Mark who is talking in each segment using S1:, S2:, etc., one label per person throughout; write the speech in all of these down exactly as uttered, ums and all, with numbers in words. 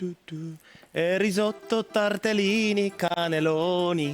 S1: E risotto, tortellini, cannelloni,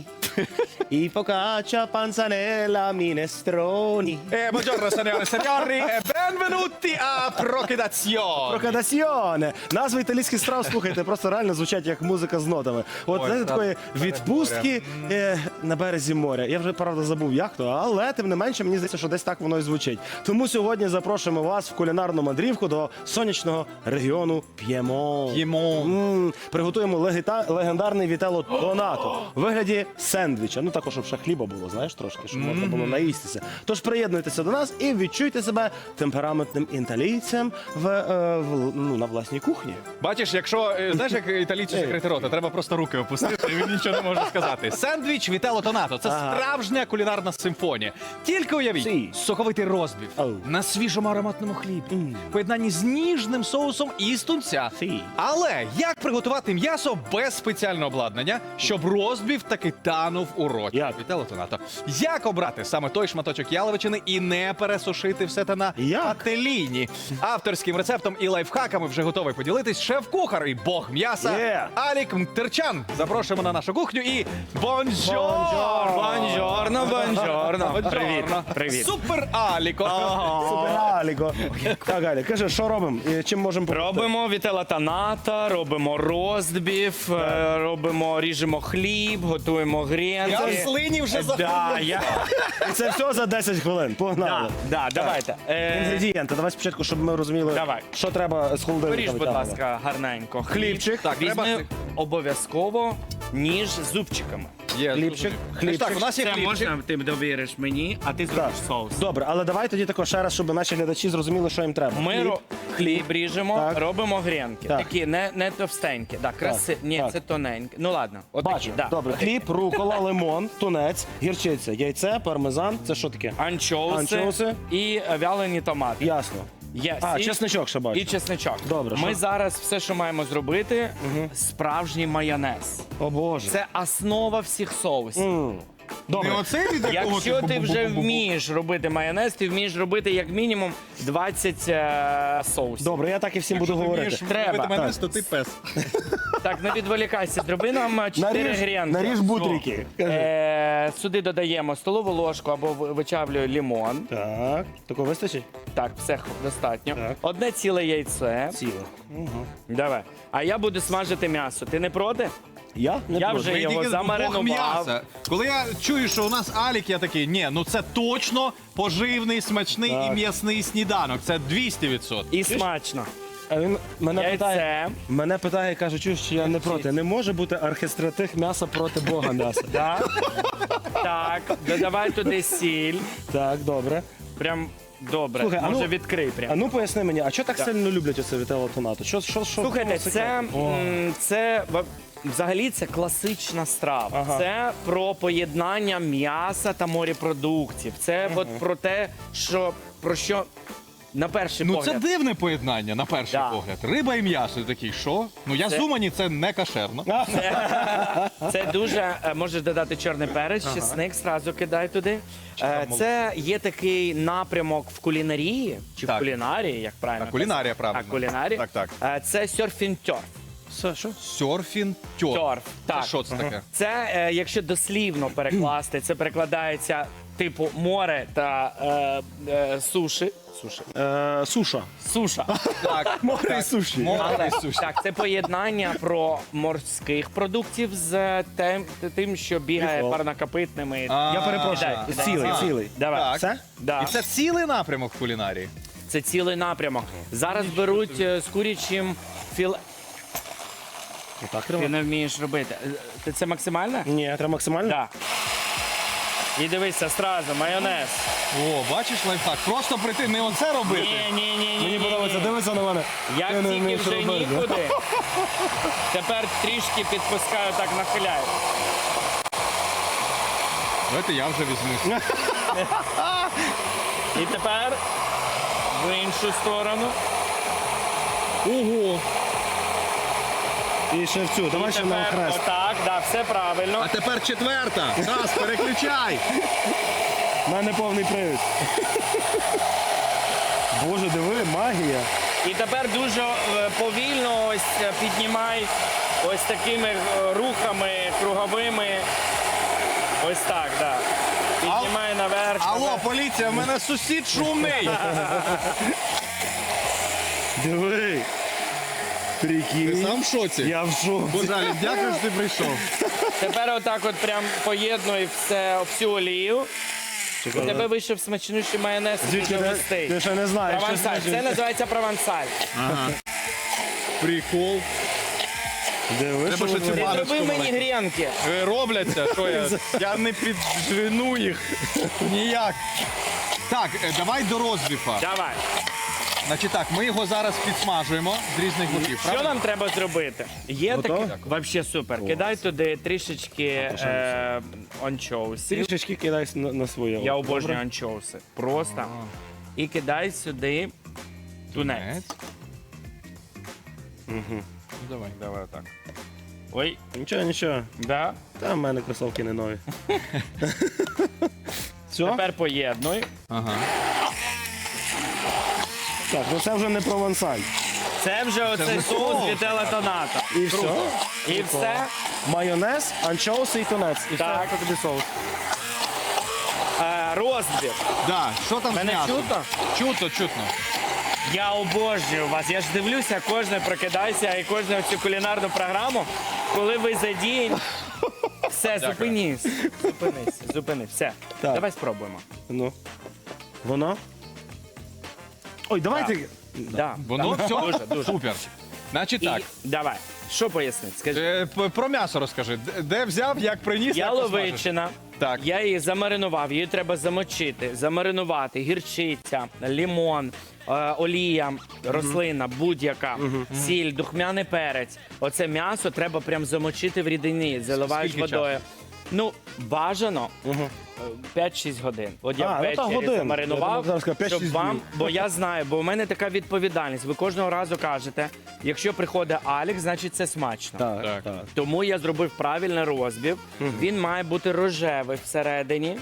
S1: i focaccia, panzanella, minestroni.
S2: Eh, buongiorno, signore e signori, e benvenuti a Прокидаціон.
S1: Прокадаціоне. Назви італійських страв, слухайте, просто реально звучать як музика з нотами. От,
S2: Ой,
S1: знаєте,
S2: та-
S1: такої відпустки е, на березі моря. Я вже, правда, забув, як то, але тим не менше, мені здається, що десь так воно і звучить. Тому сьогодні запрошуємо вас в кулінарну мандрівку до сонячного регіону П'ємонт.
S2: П'ємонт.
S1: М, Приготуємо легіта- легендарний вітелло тонато у вигляді сендвіча. Ну також, щоб ще хліба було, знаєш, трошки, щоб можна було наїстися. Тож приєднуйтеся до нас і відчуйте себе темпераментним італійцем в, е, в, ну, на власній кухні.
S2: Бачиш, якщо, е, знаєш, як італійці закрити рота, треба просто руки опустити, і він нічого не може сказати. Сендвіч Вітелло Тонато – це
S1: Ага.
S2: справжня кулінарна симфонія. Тільки уявіть,
S1: Сі.
S2: соковитий розбив
S1: Оу.
S2: на свіжому ароматному хлібі, в поєднанні з ніжним соусом і з тунця.
S1: Сі.
S2: Але як приготувати м'ясо без спеціального обладнання, щоб розбив таки танув у роті?
S1: Як?
S2: Вітелло Тонато. Як обрати саме той шматочок яловичини і не пересушити все те на
S1: Як?
S2: пательні? Авторським рецептом і лайфхаками вже готовий поділитись шеф-кухар і бог м'яса
S1: Є.
S2: Алік Мтерчан. Запрошуємо на нашу кухню і бонжор!
S3: Бонжорно, бонжорно.
S2: Бонжорно.
S3: Привіт, привіт.
S2: Супер Аліко!
S1: Супер, Аліко. Так, Алі, кажи, що робимо? І чим можемо допомогти?
S3: Робимо вітелла тоната, робимо розбів, е, робимо, ріжемо хліб, готуємо
S2: Я в
S3: гренки.
S2: слині вже
S3: Да,
S2: заходжу.
S3: я...
S1: І це все за десять хвилин. Погнали.
S3: да, да, давайте. Е,
S1: Інгредієнти. Давай спочатку, щоб ми розуміли,
S3: Давай.
S1: що треба з холодильника
S3: Поріж, будь
S1: витягувати.
S3: ласка, гарненько.
S1: Хлібчик.
S2: Так,
S3: Візьми
S2: треба-
S3: обов'язково ніж з зубчиками.
S2: Є,
S1: Хлібчик,
S2: зрозумів.
S1: хлібчик.
S2: Так, у нас є
S3: Це
S2: хлібчик.
S3: можна, ти довіриш мені, а ти
S1: Так.
S3: зробиш соус.
S1: Добре, але давай тоді також ще раз, щоб наші глядачі зрозуміли, що їм треба.
S3: Ми
S1: Хліб.
S3: ро- хліб ріжемо,
S1: Так.
S3: робимо гренки.
S1: Так.
S3: Такі не, не товстенькі. Так, краси... Ні,
S1: так.
S3: це тоненькі. Ну ладно, отакі.
S1: Бачу.
S3: Да.
S1: Добре, хліб, рукола, лимон, тунець, гірчиця, яйце, пармезан. Це що таке?
S3: Анчоуси,
S1: Анчоуси.
S3: і е, вялені томати.
S1: Ясно.
S3: Є
S1: А,
S3: сіль
S1: чесничок ще бачу.
S3: і чесничок.
S1: Добре,
S3: Ми
S1: що?
S3: зараз все, що маємо зробити, справжній майонез.
S1: О, Боже.
S3: Це основа всіх соусів.
S1: М. Добре.
S2: Не оцей від якого
S3: Якщо ти вже
S2: бу-бу-бу-бу-бу-бу.
S3: вмієш робити майонез, ти вмієш робити як мінімум двадцять е, соусів.
S1: Добре, я так і всім буду
S2: Якщо ти
S1: говорити.
S2: вмієш
S3: Треба.
S2: робити майонез,
S1: Так.
S2: то ти пес.
S3: Так, не відволікайся, зроби нам е, чотири
S1: Наріж,
S3: грінки.
S1: наріж бутрики. Кажи.
S3: Е, сюди додаємо столову ложку або ви- вичавлюю лимон.
S1: Так, такого вистачить?
S3: Так, все х- достатньо.
S1: Так.
S3: Одне ціле яйце.
S1: Ціле.
S3: Давай. А я буду смажити м'ясо. Ти не проти?
S1: Я? Не
S3: Я
S1: проти.
S3: вже
S2: Мені
S3: його
S2: тільки
S3: замаринував.
S2: Бог м'яса. Коли я чую, що у нас Алік, я такий, ні, ну це точно поживний, смачний
S1: Так.
S2: і м'ясний сніданок. Це двісті відсотків.
S3: І смачно.
S1: А він мене питає,
S3: Яйце.
S1: мене питає, каже, чуєш, що я не проти. Не може бути архистратих м'яса проти Бога м'яса.
S3: Так. Так, додавай туди сіль.
S1: Так, добре.
S3: Прям добре.
S1: Слухай, а
S3: Може
S1: ну-
S3: відкрий
S1: А
S3: прям.
S1: ну поясни мені, а чого так сильно люблять оце вітелло тонато? Що, що, що?
S3: Слухайте,
S1: в чому
S3: це,
S1: секрет? О.
S3: м, це ва- взагалі це класична страва.
S1: Ага.
S3: Це про поєднання м'яса та морепродуктів. Це от про те, що про що на перший
S2: Ну це
S3: погляд.
S2: дивне поєднання, на перший
S3: Да.
S2: погляд. Риба і м'ясо. Ти такий, що? Ну я
S3: Це-
S2: з Умані, це не кашерно.
S3: Це дуже е, можеш додати чорний перець, чесник зразу кидай туди. Е, Це є такий напрямок в кулінарії чи
S2: Так.
S3: в кулінарії, як правильно.
S2: Так, кулінарія,
S3: казати?
S2: правильно.
S3: Так, кулінарія.
S2: Так, так.
S3: Е, Це серфінг тьорф.
S1: Це що?
S2: Сьорфін тьор.
S3: Тьорф. Так.
S2: Що це таке?
S3: Це, е, якщо дослівно перекласти, це перекладається типу море та е, е, суші. Суші.
S1: Е, суша.
S3: Суша.
S2: Так,
S1: Море і суші.
S2: Море
S3: Але
S2: і суші.
S3: так, це поєднання про морських продуктів з тим, тим що бігає
S1: Прикол.
S3: парнокопитними.
S2: А,
S1: Я перепрошую.
S3: Кидай, кидай.
S1: Цілий,
S2: Ага.
S1: цілий.
S3: Давай.
S2: Так.
S1: Все?
S3: Да.
S2: І це цілий напрямок в кулінарії.
S3: Це цілий напрямок. Зараз беруть е, з курячим філе.
S1: Отак
S3: Ти
S1: треба?
S3: не вмієш робити. Е, Ти це максимально?
S1: Ні, треба максимально?
S3: Так. І дивися, стразу, майонез.
S2: О, бачиш лайфхак? Просто прийти, не оце робити.
S3: Ні, ні, ні, ні.
S1: Мені
S3: ні,
S1: подобається,
S3: ні.
S1: дивися на мене.
S3: Як
S1: Ти не
S3: тільки
S1: вмієш
S3: вже
S1: робити.
S3: нікуди. Тепер трішки підпускаю, так нахиляю.
S2: Давайте я вже візьму.
S3: І тепер в іншу сторону.
S2: Ого!
S1: І ще в цю, давай
S3: І
S1: ще на
S3: тепер
S1: хрест.
S3: отак, да, все правильно.
S2: А тепер четверта. Раз, переключай.
S1: У мене повний привід. Боже, диви, магія.
S3: І тепер дуже е, повільно ось е, піднімай ось такими е, рухами круговими. Ось так, так. Да. Піднімай наверх.
S2: Алло,
S3: наверх.
S2: поліція, в мене сусід шумний.
S1: Диви. Прикинь.
S2: Сам в шоці?
S1: Я в шоці.
S2: Божалі, дякую, що ти прийшов.
S3: Тепер отак от прям поєднуй все, всю олію. У тебе вийшов смачнющий майонез.
S1: Звідки
S3: дуже
S1: ти-
S3: густий.
S1: ти ще не знаєш, що
S3: Провансаль.
S1: це
S3: Це називається провансаль.
S2: Прикол.
S1: Диви,
S2: Треба
S1: що
S2: ще
S1: ви-
S2: ці
S3: Ти
S2: баночку
S3: зроби мені
S2: маленьку.
S3: грінки.
S2: Е, Робляться, що я? Я не піджену їх. Ніяк. Так, е, давай до розбіфа.
S3: Давай.
S2: Значить так, ми його зараз підсмажуємо з різних боків.
S3: Що нам треба зробити? Є
S1: Готово?
S3: таке? Вообще супер. Кидай туди трішечки е, анчоусів.
S1: Трішечки кидай на, на своє.
S3: Я
S1: око,
S3: обожнюю
S1: добре?
S3: анчоуси. Просто. І кидай сюди тунець.
S2: Угу. Давай, давай так.
S3: Ой,
S1: Нічого, нічого.
S3: да.
S1: Та в мене кросовки не нові. Все?
S3: Тепер поєднуй.
S2: Ага.
S1: Так, ну це вже не провансаль.
S3: Це вже оцей
S2: вже
S3: соус
S2: соус.
S3: вітела тоната.
S1: І все.
S3: І все.
S1: Майонез, анчоуси і тунець. І
S3: Так.
S1: все, це тобі соус.
S3: Е, розбір.
S2: Да, що там з
S3: Мене
S2: м'ясом?
S3: чутно?
S2: Чутно, чутно.
S3: Я обожнюю вас. Я ж дивлюся, кожне прокидайся і кожну цю кулінарну програму, коли ви задіяні. Все, зупинись. Зупинись, зупинись. Все.
S1: Так.
S3: Давай спробуємо.
S1: Ну. Воно? Ой, давайте.
S3: Да.
S2: Воно
S3: Так.
S2: все
S3: Дуже, дуже.
S2: супер. Значить
S3: І
S2: так,
S3: давай. Що пояснити? Скажи.
S2: е, п- про м'ясо розкажи. Д- Де взяв, як приніс, як посмажив?
S3: Яловичина.
S2: Так.
S3: Я її замаринував, її треба замочити, замаринувати, гірчиця, лімон, е, олія, рослина, будь-яка, сіль, духмяний перець. Оце м'ясо треба прям замочити в рідині, заливаєш
S2: Скільки
S3: водою. Ну, бажано
S1: Угу.
S3: е, п'ять-шість годин. От я
S1: А, ну, та
S3: ввечері
S1: годин. Я
S3: замаринував,
S1: думав, зараз сказав, п'ять-шість
S3: щоб вам,
S1: днів.
S3: бо я знаю, бо у мене така відповідальність. Ви кожного разу кажете, якщо приходить Алік, значить це смачно.
S1: Так,
S2: Так.
S1: так.
S3: Тому я зробив правильний розбив. Він має бути рожевий всередині.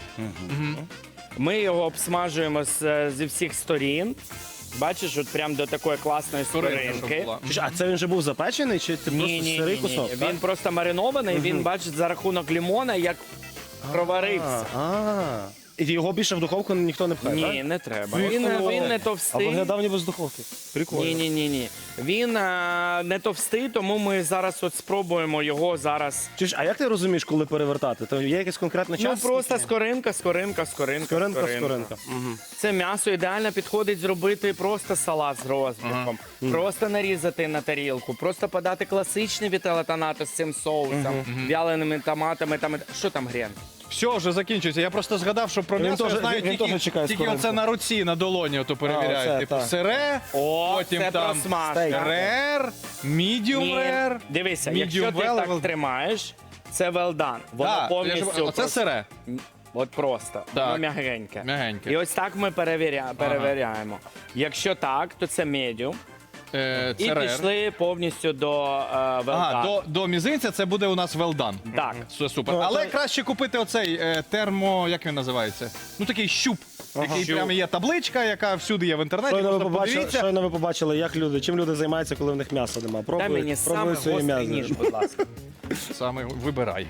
S3: Ми його обсмажуємо з, зі всіх сторін. Бачиш, от прям до такої класної
S2: Скоринка, щоб
S3: скоринки.
S2: була.
S1: Чи ж, А це він же був запечений, чи це
S3: Ні,
S1: просто
S3: ні,
S1: сирий
S3: ні,
S1: кусок?
S3: ні.
S1: так?
S3: Він просто маринований, він, бачиш, за рахунок лімона, як проварився.
S1: А, а. І його більше в духовку ніхто не пхає,
S3: Ні, не треба. Він, він не
S1: А
S3: товстий.
S1: виглядав ніби з духовки. Прикольно.
S3: Ні, ні, ні, ні. Він е, не товстий, тому ми зараз от спробуємо його зараз.
S1: Чи ж, а як ти розумієш, коли перевертати? То є якийсь конкретний
S3: Ну
S1: час?
S3: просто скоринка, скоринка, скоринка,
S1: Скоринка, скоринка. Угу.
S3: Це м'ясо ідеально підходить зробити просто салат з розбивком, просто нарізати на тарілку, просто подати класичний вітеле тонато з цим соусом, вяленими томатами. Там що там грін?
S2: Все, вже закінчується. Я просто згадав, що про
S1: Він
S2: м'ясо
S1: теж-
S2: я знаю
S1: він
S2: тільки,
S1: теж чекає
S2: тільки
S1: скоринку.
S2: оце на руці, на долоні ото перевіряють.
S1: оце,
S2: Типу
S1: так.
S2: сире,
S3: О,
S2: потім
S3: це
S2: там
S3: просмажка.
S2: рер, medium
S3: Ні.
S2: rare.
S3: Дивися,
S2: medium
S3: якщо ти
S2: well,
S3: так
S2: well-
S3: тримаєш, це well done. Воно
S2: Так, я ж-
S3: повністю
S2: оце
S3: прос-
S2: сире.
S3: От просто.
S2: Так.
S3: Воно м'ягеньке.
S2: М'ягеньке.
S3: І ось так ми перевіря... перевіряємо. Якщо так, то це медіум.
S2: Е,
S3: І
S2: це рер.
S3: пішли повністю до е, well
S2: Ага,
S3: done.
S2: до, до мізинця це буде у нас well done.
S3: Так.
S2: Це супер.
S1: Ну,
S2: Але
S1: то-
S2: краще купити оцей е, термо, як він називається? Ну такий щуп. Який
S3: Щуп.
S2: прямо є табличка, яка всюди є в інтернеті.
S1: Щойно ви,
S2: Просто
S1: побачили,
S2: подивіться.
S1: щойно ви побачили, як люди, чим люди займаються, коли в них м'яса немає.
S3: Дай мені
S1: Пробують,
S3: саме
S1: пробують своє
S3: гострий ніж,
S1: м'ясо.
S3: будь ласка.
S2: Саме вибирай.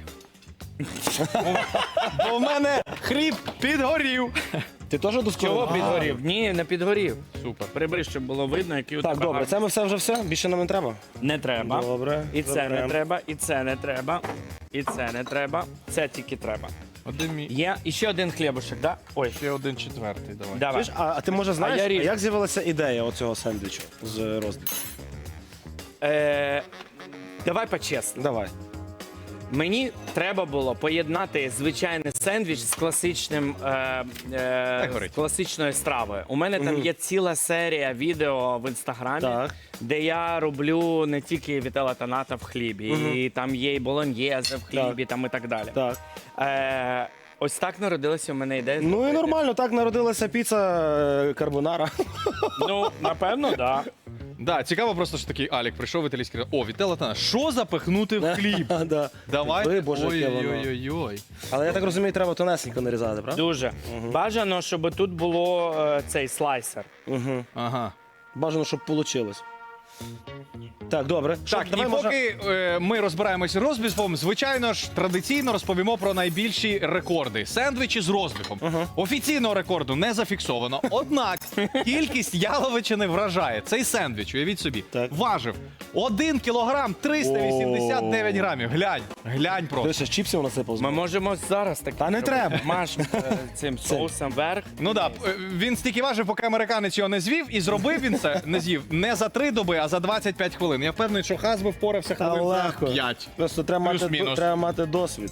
S2: Бо в мене хліб підгорів.
S1: Ти теж до
S3: Чого
S1: скоринки?
S3: підгорів? Ні, не підгорів.
S2: Супер.
S3: Прибери, щоб було видно, який у
S1: Так,
S3: тебе
S1: добре,
S3: гарний.
S1: це ми все вже все? Більше нам не треба?
S3: Не треба.
S1: Добре.
S3: І це не
S1: добре.
S3: треба, і це не треба, і це не треба. Це тільки треба.
S2: Один мій.
S3: Є і ще один хлібушек, да? Ой,
S2: Ще один четвертий, давай.
S3: давай.
S1: Чуєш, а, а ти може знаєш,
S3: я
S1: а
S3: ріжу.
S1: як з'явилася ідея оцього сендвічу з розділу?
S3: Е, давай по-чесному.
S1: Давай.
S3: Мені треба було поєднати звичайний сендвіч з класичним е, е,
S2: горить.
S3: з класичною стравою. У мене там є ціла серія відео в інстаграмі,
S1: Так.
S3: де я роблю не тільки вітела тоната в хлібі, і там є і болоньєзе в хлібі, там і так далі.
S1: Так.
S3: Е, ось так народилася у мене ідея.
S1: Ну і
S3: зробити.
S1: нормально, так народилася піца е, карбонара.
S3: Ну, напевно, так. Да.
S2: Да, цікаво просто, що такий Алік прийшов в італійський. О, Вітелла Тана, що запихнути в хліб?
S1: Да.
S2: Давай.
S1: Ой, Боже, яке воно.
S2: Ой-ой-ой.
S1: Але я так розумію, треба тонесенько нарізати, правда?
S3: Дуже. Бажано, щоб тут було е, цей слайсер.
S1: Угу.
S2: Ага.
S1: Бажано, щоб вийшло. Так, добре. Що,
S2: Так, і
S1: давай, може-
S2: поки е, ми розбираємося з розбіфом, звичайно ж, традиційно розповімо про найбільші рекорди. Сендвічі з розбіфом. Офіційного рекорду не зафіксовано, однак кількість яловичини вражає. Цей сендвіч, уявіть собі,
S1: Так.
S2: важив один кілограм триста вісімдесят дев'ять грамів. Глянь, глянь просто.
S1: Ти ще з чіпсів насипав?
S3: Ми можемо зараз так.
S1: Та не треба.
S3: Маш е, цим соусом вверх.
S2: Ну так, да, е, він стільки важив, поки американець його не звів, і зробив він це, не з'їв, не за три доби, а за двадцять п'ять хвилин. Я впевнений, що Хас би впорався
S1: Та
S2: хвилин за
S1: легко.
S2: п'ять.
S1: Просто треба мати,
S2: Плюс-мінус.
S1: треба мати досвід.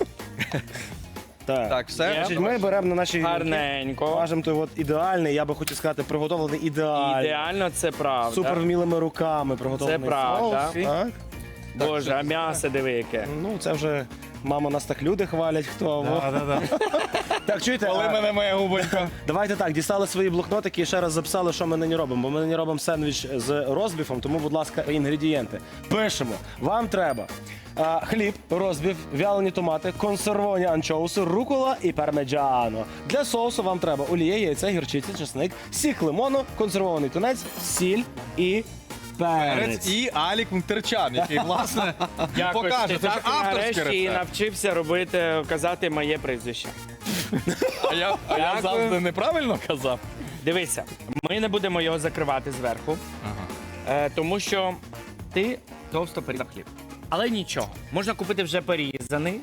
S1: Так.
S2: Так, все.
S3: Є.
S1: Значить, ми беремо на наші гілки,
S3: Гарненько.
S1: важимо той от ідеальний, я би хотів сказати, приготовлений ідеально.
S3: Ідеально, це правда.
S1: Супер вмілими руками приготовлений
S3: Це правда.
S1: соус. Так.
S3: Боже, а м'ясо диви яке.
S1: Ну, це вже, мама, нас так люди хвалять, хто. во. Так, чуєте,
S2: Коли
S1: а,
S2: мене моя губонька.
S1: давайте так, дістали свої блокнотики і ще раз записали, що ми нині робимо. Бо ми нині робимо сендвіч з розбіфом, тому, будь ласка, інгредієнти. Пишемо. Вам треба а, хліб, розбіф, вялені томати, консервовані анчоуси, рукола і пармеджано. Для соусу вам треба олія, яйця, гірчиця, чесник, сік лимону, консервований тунець, сіль і перець.
S2: Перець і Алік Мунтерчан, який, власне,
S3: Дякую,
S2: покаже.
S3: ти
S2: Це ж
S3: так
S2: авторський
S3: нарешті і
S2: рецепт.
S3: навчився робити, казати моє прізвище.
S2: А я, а я
S3: Дякую.
S2: завжди неправильно казав?
S3: Дивися, ми не будемо його закривати зверху, е, тому що ти товсто порізав хліб. Але нічого, можна купити вже порізаний.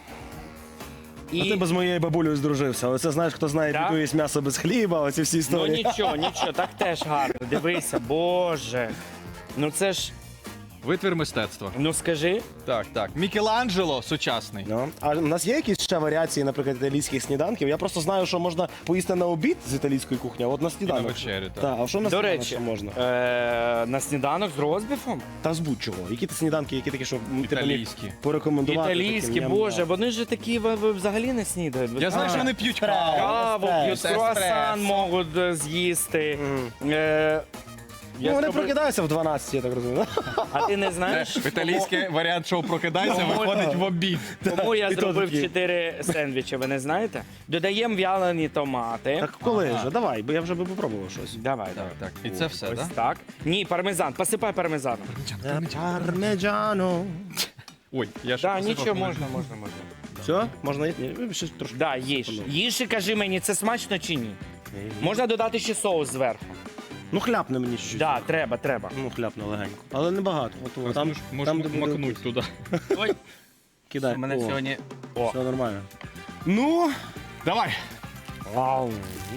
S1: А ти би з моєю бабулею здружився. Але це знаєш, хто знає,
S3: Так.
S1: піду їсть м'ясо без хліба, оці всі
S3: Ну
S1: історії.
S3: нічого, нічого, так теж гарно. Дивися, боже. Ну це ж,
S2: Витвір мистецтва.
S3: ну скажи,
S2: Так, так. Мікеланджело сучасний.
S1: Ну, а у нас є якісь ще варіації, наприклад, італійських сніданків? Я просто знаю, що можна поїсти на обід з італійської кухні, а от на сніданок.
S2: вечерю, так.
S1: Так, а що на
S3: до
S1: сніданок
S3: речі,
S1: ще можна?
S3: е, на сніданок з розбіфом?
S1: Та з будь-чого. Які ти сніданки, які такі, що м, ти міг
S2: Італійські.
S1: порекомендувати?
S3: Італійські,
S1: таким,
S3: боже,
S1: ням-ням?
S3: вони ж такі ви- ви взагалі не снідають. Ви
S2: Я знаю,
S3: знаєте?
S2: що вони п'ють
S1: Еспресо.
S2: каву.
S3: Каву п'ють,
S2: Еспресо.
S3: круасан можуть е, з'їсти. Е, я
S1: Ну, вони
S3: зроблю-
S1: прокидаються в дванадцять, я так розумію.
S3: А ти не знаєш?
S2: В італійський варіант шоу «Прокидайся»
S3: Ну,
S2: виходить в обід.
S3: Тому я
S1: І то
S3: зробив
S1: такі.
S3: чотири сендвічі, ви не знаєте? Додаємо вялені томати.
S1: Так коли вже? Давай, бо я вже би попробував щось.
S3: Давай, давай.
S2: Так, і це все,
S3: Ось
S2: так?
S3: так. Ні, пармезан, посипай пармезаном.
S1: Пармеджано.
S2: Ой, я ще
S3: Так,
S2: посипав
S3: нічого
S2: хвилин.
S3: можна, можна, можна.
S1: Все? Можна їсти? Ні, ще трошки.
S3: Да, їж. Їж і кажи мені, це смачно чи ні? Можна додати ще соус зверху.
S1: Ну, хляпне мені щось.
S3: Да, треба, треба.
S1: Ну, хляпне легенько. Але небагато. От, от, там,
S2: Можеш
S1: там, де буде-
S2: макнуть туди.
S3: Ой,
S1: Кидай.
S3: у мене
S1: О,
S3: сьогодні. О,
S1: Все нормально. Ну,
S2: Давай.
S1: вау.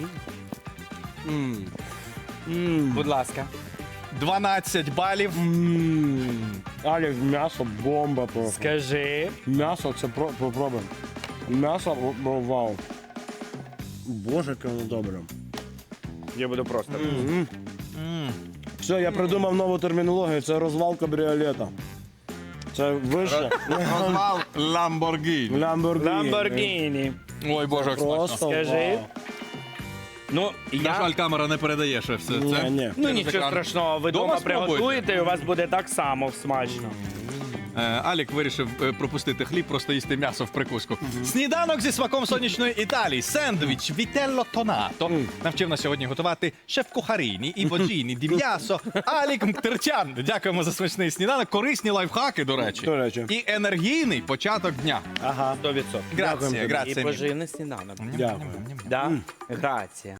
S1: М. М.
S3: будь ласка.
S2: дванадцять балів.
S1: М. Алекс, м'ясо бомба просто.
S3: Скажи.
S1: М'ясо це про попробуємо. М'ясо о, о, вау. Боже, яке воно добре.
S3: Я буду просто.
S1: Все, я придумав нову термінологію. Це розвал кабріолета. Це вище.
S2: Розвал Ламборгіні.
S1: Ламборгіні.
S3: Ламборгіні.
S2: Ой, боже, як смачно.
S1: Просто
S3: Скажи.
S1: вау.
S3: Ну,
S2: На
S3: я...
S2: жаль, камера не передає ще все
S1: Ні,
S2: це.
S1: ні.
S3: Ну
S2: Через
S3: нічого
S2: екран.
S3: страшного, ви
S2: Дома
S3: вдома
S2: спробуйте.
S3: приготуєте і у вас буде так само смачно.
S2: Е, Алік вирішив е, пропустити хліб, просто їсти м'ясо в прикуску. Сніданок зі смаком сонячної Італії. Сендвіч Вітелло Тонато. Навчив нас сьогодні готувати шеф-кухаріні і боджіні ді м'ясо Алік Мтерчан. Дякуємо за смачний сніданок. Корисні лайфхаки, до речі.
S1: До речі.
S2: І енергійний початок дня.
S1: Ага.
S3: сто відсотків.
S2: Грація,
S3: І
S2: грація.
S3: поживний сніданок.
S1: Дякую.
S3: Да? Грація.